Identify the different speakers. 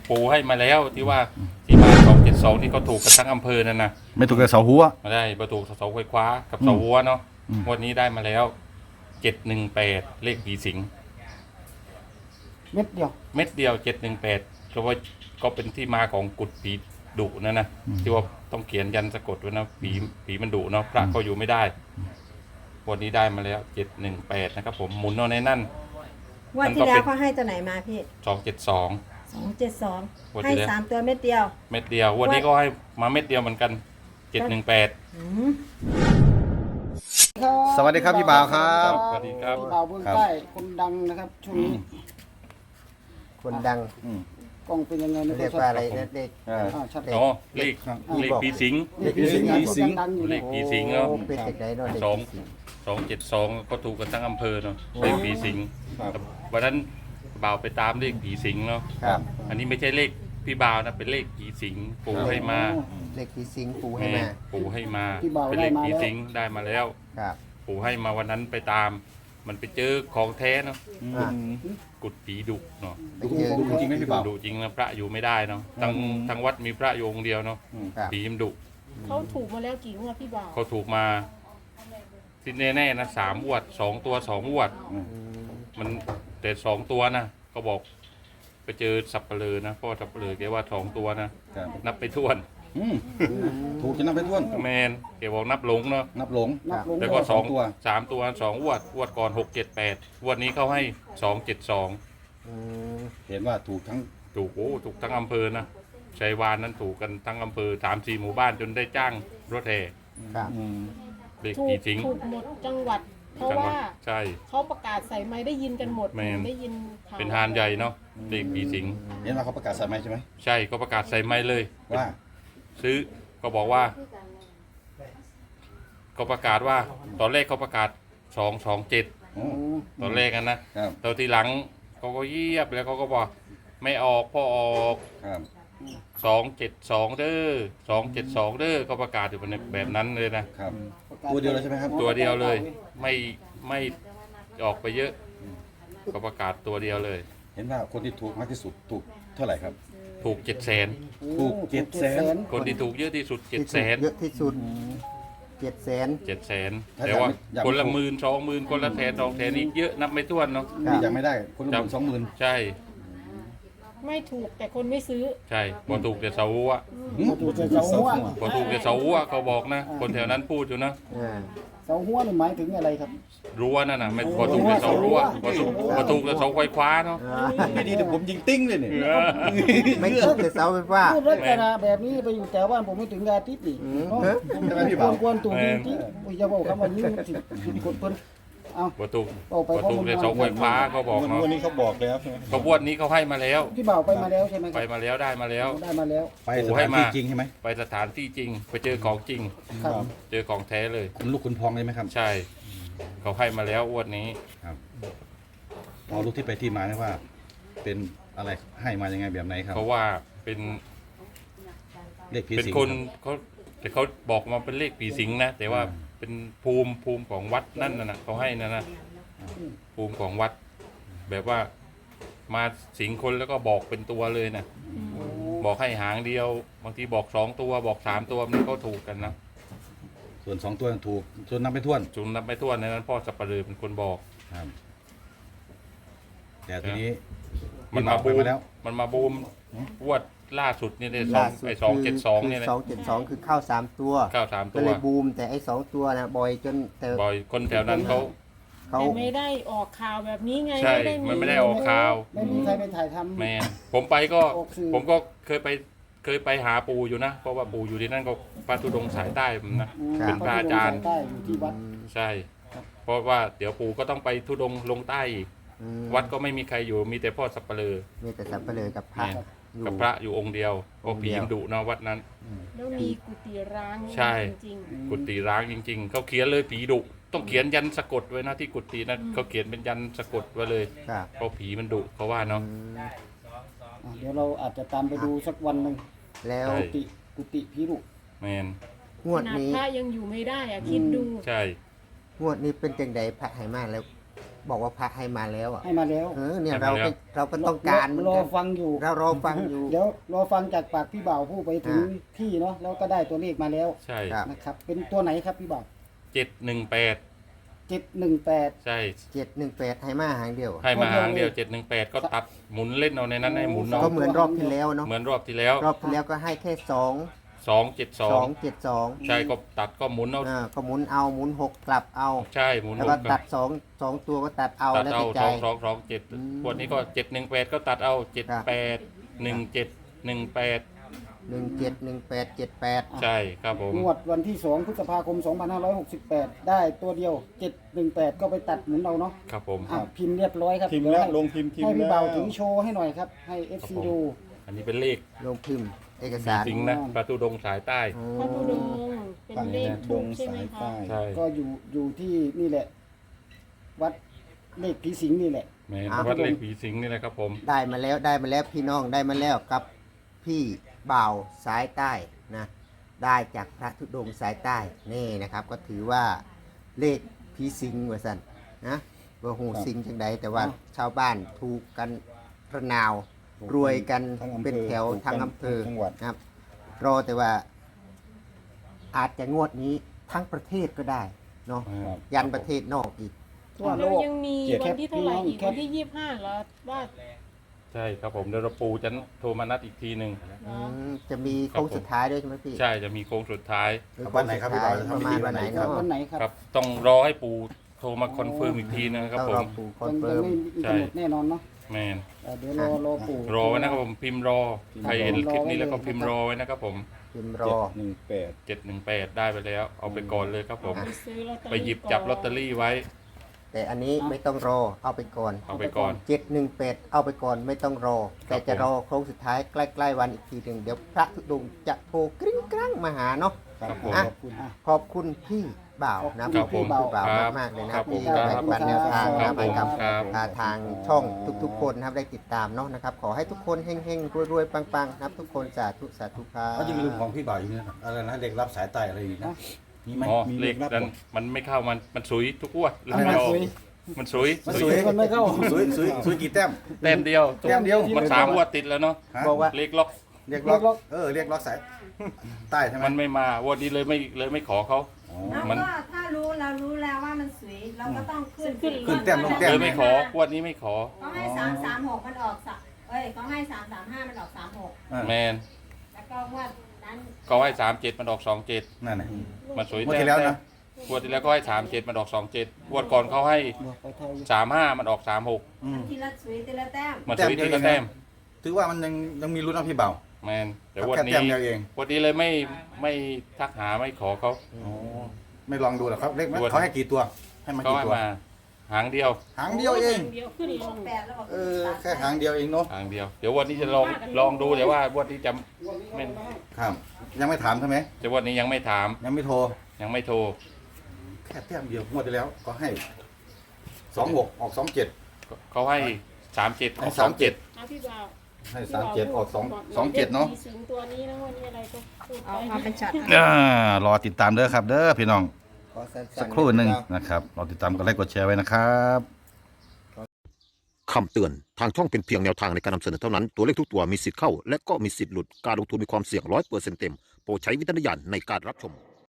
Speaker 1: ปูให้มาแล้วที่ว่าที่มา272ที่เขาถูกกันทั้งอำเภอนั่นนะ
Speaker 2: ไม่ถูกแต่เสาหัว
Speaker 1: มาได้ประตูเสาไฟฟ้ากับเสาวัวเนาะวันนี้ได้มาแล้ว718เลขผีสิง
Speaker 3: เม็ดเดียว
Speaker 1: เม็ดเดียว718ก็เป็นที่มาของกุดผีดุนั่นนะที่ว่าต้องเขียนยันสะกดไว้นะผีมันดุเนาะพระก็อยู่ไม่ได้วันนี้ได้มาแล้ว718นะครับผมหมุนเอาในนั่น
Speaker 4: วันที่แล้วเขาให้ตัวไหนมาพี่
Speaker 1: 272
Speaker 4: 272
Speaker 1: วัน
Speaker 4: ให้
Speaker 1: ที่แล้ว
Speaker 4: 3 ตัวเม็ดเดียว
Speaker 1: เม็ดเดียววันนี้ก็ให้มาเม็ดเดียวเหมือนกัน718
Speaker 4: อืม
Speaker 2: สวัสดีครับพี่บ่าวครับ
Speaker 1: สวัสดีครับ
Speaker 3: พี่บ่าวเบื้องใต้คนดังนะครับช่วงนี้
Speaker 5: คนดัง
Speaker 3: กล้องเป็นยังไงไม่
Speaker 5: เรียก
Speaker 3: ชัด
Speaker 5: ว่าอะไรนะเด็ก
Speaker 3: ชัด
Speaker 1: อ๋อเลขผีสิง
Speaker 3: เลขผีสิงดังอยู่
Speaker 1: เล
Speaker 3: เนี่ย
Speaker 1: ขผีสิงเนาะ
Speaker 5: โอ้เป็นเด็กไหนเนาะเด็ก
Speaker 1: 272ก็ถูกกันทั้งอำเภอเนาะเลขผีสิงวันนั้นบ่าวไปตามเลขผีสิงเนาะ
Speaker 5: ครับ
Speaker 1: อันนี้ไม่ใช่เลขพี่บ่าวนะเป็นเลขผีสิงปู่ให้มา
Speaker 5: เด็กที่สิงปูให้
Speaker 1: แม่
Speaker 5: มา
Speaker 1: ปู่ให้มาเป็นเลขผีสิงได้มาแล้ว
Speaker 5: ครับ
Speaker 1: ปู่ให้มาวันนั้นไปตาม มันไปเจอของแท้เนาะ
Speaker 5: อ่ะ
Speaker 1: กุดผีดุเนาะ
Speaker 5: ไปเจอ
Speaker 2: ดูจริงไหมพี่บ่าว
Speaker 1: ดุจริงนะพระอยู่ไม่ได้เนาะทั้งวัดมีพระอยู่องค์เดียวเนาะ
Speaker 5: ครับ
Speaker 1: ผีมันดุ
Speaker 6: เขาถูกมาแล้วกี่งวดพี่บ่าว
Speaker 1: เขาถูกมาที่แน่ๆนะ3 งวด 2 ตัว 2 งวด มันแต่2 ตัวนะเขาบอกไปเจอสับเปลือนะเพราะว่าสับเปลือแกว่า2 ตัวนะครับ นับไปท้วน
Speaker 2: ถูกจะนับไปท้วน
Speaker 1: แมนแกบอกนับหลงเนาะ
Speaker 2: นับหลง
Speaker 3: นับลง
Speaker 1: แล้วก็
Speaker 2: สองตัว
Speaker 1: 3 ตัว2 งวดก่อน678งวดนี้เขาให้272
Speaker 5: อืม
Speaker 2: เห็นว่าถูกทั้ง
Speaker 1: ถูกถูกทั้งอำเภอนะชัยวานนั้นถูกกันทั้งอำเภอ3-4 หมู่บ้านจนได้จ้างรถแห่
Speaker 5: ครับ
Speaker 1: เลข
Speaker 6: ถู
Speaker 1: ผี
Speaker 6: ก
Speaker 1: สิง
Speaker 6: ถูกหมดจังหวัด เพราะ
Speaker 1: จังหวั
Speaker 6: ว่า
Speaker 1: ดใช่
Speaker 6: เขาประกาศใส่ไม้ได้ยินกันหมด
Speaker 1: แม่น
Speaker 6: ได้ยินข่ว
Speaker 1: เป็นฮานใหญ่เนาะเลขผีสิง
Speaker 2: เห็นว่าเขาประกาศใส่ไหมใช่ไหม
Speaker 1: ใช่ก็ประกาศใส่ไม้เลย
Speaker 2: ว่า
Speaker 1: ซื้อก็บอกว่าก็ประกาศว่าตอนแรกเขาประกาศ227
Speaker 2: โอ้
Speaker 1: ตอนแรกกันนะครับ ตอนทีหลังเขาก็เยียบแล้วเขาก็บอกไม่ออกพ่อออก
Speaker 2: ครับ
Speaker 1: 272เด้อ272เด้อเขาประกาศอยู่แบบนั้นเลยนะครับ
Speaker 2: ตัวเดียวเลยใช่ไหมครับ
Speaker 1: ตัวเดียวเลยไม่ออกไปเยอะเขาประกาศตัวเดียวเลย
Speaker 2: เห็นว่าคนที่ถูกมากที่สุดถูกเท่าไหร่ครับ
Speaker 1: ถูก700,000
Speaker 2: ถูก700,000
Speaker 1: คนที่ถูกเยอะที่สุด
Speaker 5: ที่ถูกเยอะที่สุด700,000
Speaker 1: 700,000แต่ว่าคนละ10,000 20,000คนละ100,000 200,000นี่เยอะนับไม่ถ้วนเนาะ
Speaker 2: นี่ยังไม่ได้คนละ20,000
Speaker 1: ใช่
Speaker 6: ไม่ถูกแต่คนไม่ซื้อ
Speaker 1: ใช่พอถูกแต่เสาหัว
Speaker 3: ถูกเสาหัว
Speaker 1: พอถูกแต่เสาหัวเขาบอกนะ คนแถวนั้นพูดอยู่นะ
Speaker 5: อ่า
Speaker 3: เสาหัวนี่หมายถึงอะไรครับ
Speaker 1: รั้วนั่นน่ะไม่พอถูกแต่เสารั้วพอถูกแต่เสาไฟฟ้าเนาะ
Speaker 2: ไม่ดีแต่ผมยิงติ้งเลยเนี่ย
Speaker 5: ไม่ถูกแต่เสาไฟฟ้า
Speaker 3: พูดลักษณะแบบนี้ไปอยู่แถวบ้านผมไม่ถึงอาทิตย์นี่
Speaker 5: อืม
Speaker 2: ใช่ไหมพี่บ่าว
Speaker 3: ควรถูกจริงๆอย่าบอกคำว่านี้ผิดกฎเพิ่นเอา
Speaker 1: พอถูกแต่เสาไฟฟ้าเขาบอกเนาะ
Speaker 2: วันนี้เขาบอกแล้วใช่ไหม
Speaker 1: ขบวนนี้เขาให้มาแล้ว
Speaker 3: พี่บ่าวไปมาแล้วใช่ไหมค
Speaker 1: ไป
Speaker 3: รับ
Speaker 1: มาแล้วได้มาแล้ว
Speaker 3: ได้มาแล้ว
Speaker 2: ไปสถานที่จริงใช่ไหม
Speaker 1: ไปสถานที่จริง ไปเจอของจริง
Speaker 3: ครับ
Speaker 1: เจอของแท้เลย
Speaker 2: คุณลูกคุณพองเลยไหมครับ
Speaker 1: ใช่ เขาให้มาแล้วอ้วนนี้
Speaker 2: ครับพอรู้ที่ไปที่มาไหมว่า เป็นอะไรให้มายังไงแบบไหนครับ
Speaker 1: เขาว่าเป็น
Speaker 2: เลขผี
Speaker 1: เป็น
Speaker 2: สิง
Speaker 1: คนเขาแต่เขาบอกมาเป็นเลขผีสิงนะแต่ว่าเป็นภูมิของวัดนั่นนะเขาให้นะภูมิของวัด แบบว่ามาสิงคนแล้วก็บอกเป็นตัวเลยนะบอกให้หางเดียว บางทีบอก2 ตัวบอก3 ตัวมันก็ถูกกันนะ
Speaker 2: ส่วน2 ตัวถูกส่วนนับไปท้วน
Speaker 1: จุนนับไม่ถ้วนในนั้นพ่อสับปะเลือเป็นคนบอก
Speaker 2: ครับแต่ทีนี้
Speaker 1: มันมา
Speaker 2: ไป
Speaker 1: บูม
Speaker 2: แล้ว
Speaker 1: มันมาบูมวดล่าสุดนี่ได้
Speaker 5: ล่าสุด
Speaker 1: 272นี่นะ
Speaker 5: 272คือเข้า3ตัว
Speaker 1: เข้า3
Speaker 5: ก็
Speaker 1: ตัว
Speaker 5: เลยบูมแต่ไอ้2ตัวนะบ่อยจนแต่
Speaker 1: บ่อยคนแถวนั้นเขา
Speaker 5: เขา
Speaker 6: แต่ไม่ได้ออกข่าวแบบนี้ไง
Speaker 1: ใช่มันไม่ได้ออกข่าว
Speaker 3: ไม่มีใครไปถ่ายทำ
Speaker 1: แมนผมไปก็
Speaker 3: ออกสื่อ
Speaker 1: ผมก็เคยไปหาปู่อยู่นะ เพราะว่าปู่อยู่ที่นั่นก็พระธุดงค์สายใต้ผมนะ เป็นพระอาจารย์
Speaker 3: ใต้อยู่ที่วัด
Speaker 1: ใช่ เพราะว่าเดี๋ยวปู่ก็ต้องไปธุดงค์ลงใต้อีก
Speaker 5: อืม
Speaker 1: วัดก็ไม่มีใครอยู่มีแต่พ่อสับปะเลอ
Speaker 5: มีแต่สับเปลือกับพระ
Speaker 1: เนี่ย
Speaker 5: อยู่
Speaker 1: กับพระอยู่องค์เดียว
Speaker 5: อ
Speaker 1: ก็
Speaker 5: งค์
Speaker 1: ผี
Speaker 5: เดียว
Speaker 1: มดุนะวัดนั้น
Speaker 6: แล้วมีกุฏิร้าง
Speaker 1: ใช่
Speaker 6: จริง
Speaker 1: กุฏิร้างจริง ๆเขาเขียนเลยผีดุต้องเขียนยันสะกดไว้นะที่กุฏินะเขาเขียนเป็นยันสะกดไว้เลย
Speaker 5: ครับ
Speaker 1: เพราะผีมันดุเขาว่าเนาะ
Speaker 5: อืม
Speaker 3: เดี๋ยวเราอาจจะตามไปดูสักวันหนึ่ง
Speaker 5: แล้ว
Speaker 1: ใช่
Speaker 3: กุฏิพิรุ
Speaker 1: แมน
Speaker 5: ง
Speaker 6: ๆ
Speaker 5: ว
Speaker 6: ข
Speaker 5: ด
Speaker 6: นาด
Speaker 5: นี้
Speaker 6: พระยังอยู่ไม่ได้อะคิดดู
Speaker 1: ใช่
Speaker 5: งวดนี้เป็นจังไดพระไหมาแล้วบอกว่าพระให้มาแล้วอ่ะ
Speaker 3: ให้มาแล้ว
Speaker 5: เนี่ย
Speaker 1: ให้
Speaker 5: เรา
Speaker 1: มาแล้ว
Speaker 5: ก็เราก็ต้องการเหมือน
Speaker 3: รอ
Speaker 5: กัน
Speaker 3: ฟังอยู่
Speaker 5: เรารอฟังอยู่
Speaker 3: เดี๋ยวรอฟังจากปากพี่บ่าวผู้ไปถึงที่เนาะแล้วก็ได้ตัวเลขมาแล้ว
Speaker 1: ใช่
Speaker 5: ครับ
Speaker 3: นะครับเป็นตัวไหนครับพี่บ่าว
Speaker 1: 718
Speaker 3: 718
Speaker 1: ใช่
Speaker 5: 718ให้มาหางเดียว
Speaker 1: ให้มาหางเดียว718ก็ตัดหมุนเล่นเอาในนั้นให้หมุนเอา
Speaker 5: ก็เหมือนรอบที่แล้วเนาะ
Speaker 1: เหมือนรอบที่แล้ว
Speaker 5: รอบที่แล้วก็ให้แค่
Speaker 1: 272
Speaker 5: 272
Speaker 1: ใช่ก็ตัดก็หมุนเอา
Speaker 5: ก็หมุนเอาหมุน6กลับเอา
Speaker 1: ใช่หมุน
Speaker 5: แล้ว
Speaker 1: ห
Speaker 5: ก็
Speaker 1: ก
Speaker 5: ตัด2ตัวก็ตัดเอา
Speaker 1: ตัด
Speaker 5: แล้ว
Speaker 1: เอา
Speaker 5: แต่ใจ
Speaker 1: 2227วันนี้ก็718ก็ตัดเอา78 17
Speaker 5: 171878
Speaker 1: ใช่ครับผม
Speaker 3: งวดวันที่2พฤษภาคม 2568 ได้ตัวเดียว 718 ก็ไปตัดหมุนเอาเนาะ
Speaker 1: ครับผม
Speaker 3: อ่ะพิมพ์เรียบร้อยครับ
Speaker 2: พิมพ์แล้ว
Speaker 3: เดี๋ยว
Speaker 2: ลงพิมพ์
Speaker 3: ให้พี่
Speaker 2: แล้ว
Speaker 3: บ่าวถึงโชว์ให้หน่อยครับ ให้ FC
Speaker 1: ครับผม
Speaker 3: ดู
Speaker 1: อันนี้เป็นเลข
Speaker 5: ลงพิมพ์เอก
Speaker 1: ผี
Speaker 5: สาร
Speaker 1: สิงนะประตูดงสายใต้
Speaker 6: พระธุดงค์เป็นเลขทูปใช่ไหมคะ
Speaker 1: ใช่
Speaker 3: ก็อยู่ที่นี่แหละ วัดเลขผีสิงนี่แหละ
Speaker 1: แม่นวัดเลขผีสิงนี่แหละครับผม
Speaker 5: ได้มาแล้วพี่น้องได้มาแล้วกับพี่บ่าวสายใต้นะได้จากพระธุดงค์สายใต้นี่นะครับ ก็ถือว่าเลขผีสิงว่าสันนะว่าหูสิงจังใดแต่ว่าชาวบ้านถูกกันระนาว รวยกัน
Speaker 2: ทั้งอำเภอ
Speaker 5: เป็นแถว
Speaker 2: ถูกกัน
Speaker 5: ทางอำเภอ
Speaker 2: ทั้งจังหวัด
Speaker 5: นะครับ รอแต่ว่า อาจจะงวดนี้ทั้งประเทศก็ได้เนาะ
Speaker 2: ครับ
Speaker 5: ยันประเทศนอกอีก
Speaker 3: ทั่วโล
Speaker 6: แล้ว
Speaker 3: ก
Speaker 6: ยังมี
Speaker 2: เจ็ด
Speaker 6: วันที่เท่าไหร่อีก
Speaker 3: แคป
Speaker 6: วันที่25เหรอว่า
Speaker 1: ใช่ครับผมเดี๋ยวเราปูจะโทรมานัดอีกทีหนึ่ง
Speaker 5: จะมีโค้งสุดท้ายด้วยใช่ไหมพี่
Speaker 1: ใช่จะมีโค้งสุดท้าย
Speaker 5: หรือ
Speaker 2: วันไหนครับพี่บ่าวจะ
Speaker 5: ประ
Speaker 2: ทำพิ
Speaker 5: มา
Speaker 2: ธี
Speaker 5: ณ
Speaker 2: วั
Speaker 5: วัน น
Speaker 2: ไห
Speaker 5: ไห
Speaker 2: น
Speaker 5: น
Speaker 2: ครั
Speaker 5: เนาะ
Speaker 2: บ
Speaker 3: วันไหนครับ
Speaker 1: ครับ ต้องรอให้ปูโทรมาคอนเฟิร์มอีกทีนะครับ
Speaker 5: ต้อง
Speaker 1: ผ
Speaker 5: รอ
Speaker 1: ม
Speaker 5: ปู่คอน
Speaker 3: ยัง
Speaker 5: เฟิร์ม
Speaker 3: ไม่มีกำหนดแน่นอนเนาะ
Speaker 1: แมน
Speaker 3: เดี๋ยวรอปู่
Speaker 1: รอไว้นะครับผมพิมพ์รอใครเห็นคลิปนี้แล้วก็พิมพ์รอไว้นะครับผม
Speaker 5: พิมพ์รอ
Speaker 1: 718ได้ไปแล้ว เอาไปก่อนเลยครับผม
Speaker 6: ไปซื้อลอตเตอรี่
Speaker 1: ไปหยิบจับลอตเตอรี่ไว้
Speaker 5: แต่อันนี้ไม่ต้องรอเอาไปก่อน
Speaker 1: เอาไปก่อน
Speaker 5: 718เอาไปก่อนไม่ต้องรอ แต่จะรอโค้งสุดท้ายใกล้ๆวันอีกทีหนึ่งเดี๋ยวพระธุดงค์จะโทรกริ้งกรั้งมาหาเนาะ
Speaker 1: ครับผม
Speaker 5: อ่ะ
Speaker 3: ขอบคุณอ่ะ
Speaker 5: ขอบคุณพี่บ่าวนะ
Speaker 1: ครับผม
Speaker 5: พี่บ่าว
Speaker 1: ครับ
Speaker 5: มากๆเลยนะ
Speaker 1: ครับผม
Speaker 5: ที่แบ่งปันแนวทาง
Speaker 1: ครั
Speaker 5: นะ
Speaker 1: บ
Speaker 5: ให้กับ
Speaker 1: ผมครับ
Speaker 5: ทางช่องทุกๆ คนนะครับได้ติดตามเนาะนะครับ ขอให้ทุกคนเฮงๆรวยๆปังๆนะครับทุกคนสาธุสาธุครับ
Speaker 2: เขาจะมีลุงของพี่บ่าวอยู่นี่นะอะไรนะเด็กรับสายใต้อะไรอีกนะมีไหม
Speaker 1: อ๋อ
Speaker 2: มี
Speaker 1: เลข
Speaker 2: รับ
Speaker 1: นั้น
Speaker 2: บ่
Speaker 1: มันไม่เข้ามันสุยทุกงวด
Speaker 2: อะไรนะ
Speaker 1: ไม่ออก
Speaker 3: สุย
Speaker 1: มันสุย
Speaker 2: มันสวย
Speaker 3: มันไม่เข้า
Speaker 2: สวยกี่แต้ม
Speaker 1: แต้มเดียว
Speaker 2: แต้มเดียว
Speaker 1: มัน3งวดติดแล้วเนาะ
Speaker 2: ฮะ
Speaker 5: บอกว่า
Speaker 1: เลขล็อก
Speaker 2: เรียกล็อกเรียกล็อกสายใต้ใช่ไหม
Speaker 1: มันไม่มางวันนี้เลยไม่ขอเขา
Speaker 2: อ๋อ
Speaker 4: แล้ว
Speaker 1: มัน
Speaker 4: ก็ถ้ารู้เรารู้แล้วว่ามันสวยเราก็ต้องขึ้น
Speaker 2: ขึ้นแต้มลงแต้
Speaker 1: เลยไม่ของวันนี้ไม่ขอ
Speaker 4: เขาให้336มันออกเขาให้335มันออก36
Speaker 1: แมน
Speaker 4: แล้วก็งวดนั้น
Speaker 1: ก็ให้37มันออก27
Speaker 2: นั่นไง
Speaker 1: มันสวย
Speaker 2: งวดที่แล้วนะ
Speaker 1: งวดที่แล้วก็ให้37มันออก27งวดก่อนเขาให้
Speaker 3: บอกไปไทย
Speaker 1: 35มันออก36
Speaker 2: อืม
Speaker 4: ทีละสวยทีละแต้ม
Speaker 1: มันสวยทีละ
Speaker 2: แต้
Speaker 1: แต้
Speaker 2: ม
Speaker 1: ม
Speaker 2: ถือว่ามันยังมีรุ่นนะพี่บ่าว
Speaker 1: แมนแต่วัน
Speaker 2: แค่
Speaker 1: นี้
Speaker 2: แต้มเดียวเอง
Speaker 1: วันนี้เลยไม่ทักหาไม่ขอเขา
Speaker 2: อ๋อไม่ลองดูหรอครับเลข
Speaker 1: ดู
Speaker 2: เขาให้กี่ตัวให้มา
Speaker 1: เขา
Speaker 2: กี่
Speaker 1: ให้
Speaker 2: ตัว
Speaker 1: มาหางเดียว
Speaker 2: หางเดียวเอง
Speaker 6: เดียวขึ้นลง
Speaker 4: 8แล้วบอก
Speaker 2: แค่หางเดียวเองเนาะ
Speaker 1: หางเดียวเดี๋ยววันนี้จะลองดูแต่ว่าวันนี้จะไม่
Speaker 2: ครับ ยังไม่ถามใช่ไหม
Speaker 1: แต่วันนี้ยังไม่ถาม
Speaker 2: ยังไม่โทร
Speaker 1: ยังไม่โทร
Speaker 2: แค่แต้มเดียวงวดที่แล้วก็ให้26ออก27
Speaker 1: เขาให้37ออก
Speaker 2: 37
Speaker 1: 27
Speaker 6: นะพี่บ่าว
Speaker 2: ให้37ออก27เนาะ
Speaker 6: มีสิงตัวนี้นะวันนี้อะไรก็พูด
Speaker 4: เอา
Speaker 6: ไป
Speaker 4: มาเป็นช็อต
Speaker 2: รอติดตามเด้อครับ เด้อพี่น้อง
Speaker 5: ขอสั้นๆ
Speaker 2: สักครู่หนึ่งนะครับรอติดตามกดไลค์กดแชร์ไว้นะครับ
Speaker 7: คำเตือน ทางช่องเป็นเพียงแนวทางในการนำเสนอเท่านั้น ตัวเลขทุกตัวมีสิทธิ์เข้า และก็มีสิทธิ์หลุด การลงทุนมีความเสี่ยง100%เต็ม โปรดใช้วิจารณญาณในการรับชม